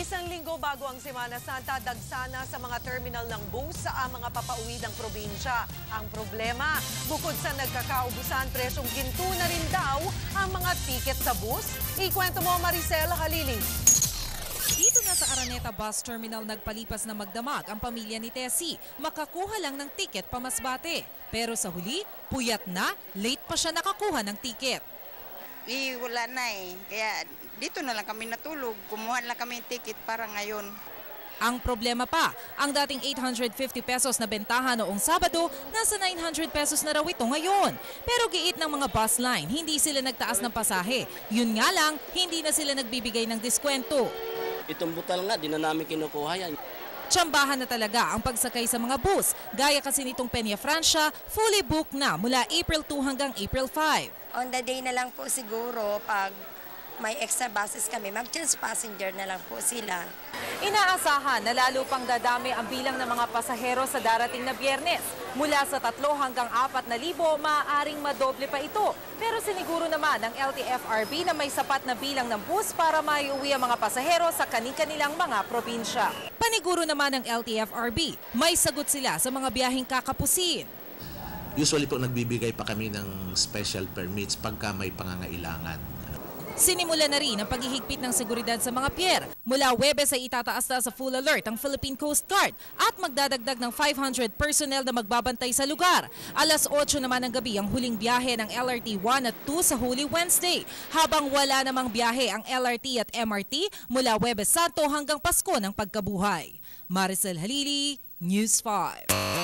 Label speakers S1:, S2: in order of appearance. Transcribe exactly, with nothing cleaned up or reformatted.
S1: Isang linggo bago ang Semana Santa, dagsana sa mga terminal ng bus sa mga papauwi ng probinsya. Ang problema, bukod sa nagkakaubusan, presyong ginto na rin daw ang mga tiket sa bus. Ikwento mo, Maricel Halili.
S2: Dito na sa Araneta Bus Terminal nagpalipas na magdamag ang pamilya ni Tessie. Makakuha lang ng tiket pa Masbate. Pero sa huli, puyat na, late pa siya nakakuha ng tiket.
S3: Eh, wala na eh. Kaya dito na lang kami natulog. Kumuha lang kami ng ticket para ngayon.
S2: Ang problema pa, ang dating eight hundred fifty pesos na bentahan noong Sabado, nasa nine hundred pesos na raw ito ngayon. Pero giit ng mga bus line, hindi sila nagtaas ng pasahe. Yun nga lang, hindi na sila nagbibigay ng diskwento.
S4: Itong butal nga, di na namin kinukuha yan.
S2: Tsambahan na talaga ang pagsakay sa mga bus. Gaya kasi nitong Peña Francia, fully booked na mula April two hanggang April five.
S5: On the day na lang po siguro pag may extra buses kami, mag-change passenger na lang po sila.
S2: Inaasahan na lalo pang dadami ang bilang ng mga pasahero sa darating na Biyernes. Mula sa tatlo hanggang apat na libo, maaaring madoble pa ito. Pero siniguro naman ng L T F R B na may sapat na bilang ng bus para maiuwi ang mga pasahero sa kani-kanilang mga probinsya. Paniguro naman ng L T F R B, may sagot sila sa mga biyaheng kakapusin.
S6: Usually po nagbibigay pa kami ng special permits pagka may pangangailangan.
S2: Sinimula na rin ang paghihigpit ng seguridad sa mga pier. Mula Huwebes ay itataas na sa full alert ang Philippine Coast Guard at magdadagdag ng five hundred personnel na magbabantay sa lugar. Alas otso naman ng gabi ang huling biyahe ng L R T one at two sa Holy Wednesday, habang wala namang biyahe ang L R T at M R T mula Huwebes Santo hanggang Pasko ng Pagkabuhay. Maricel Halili, News five.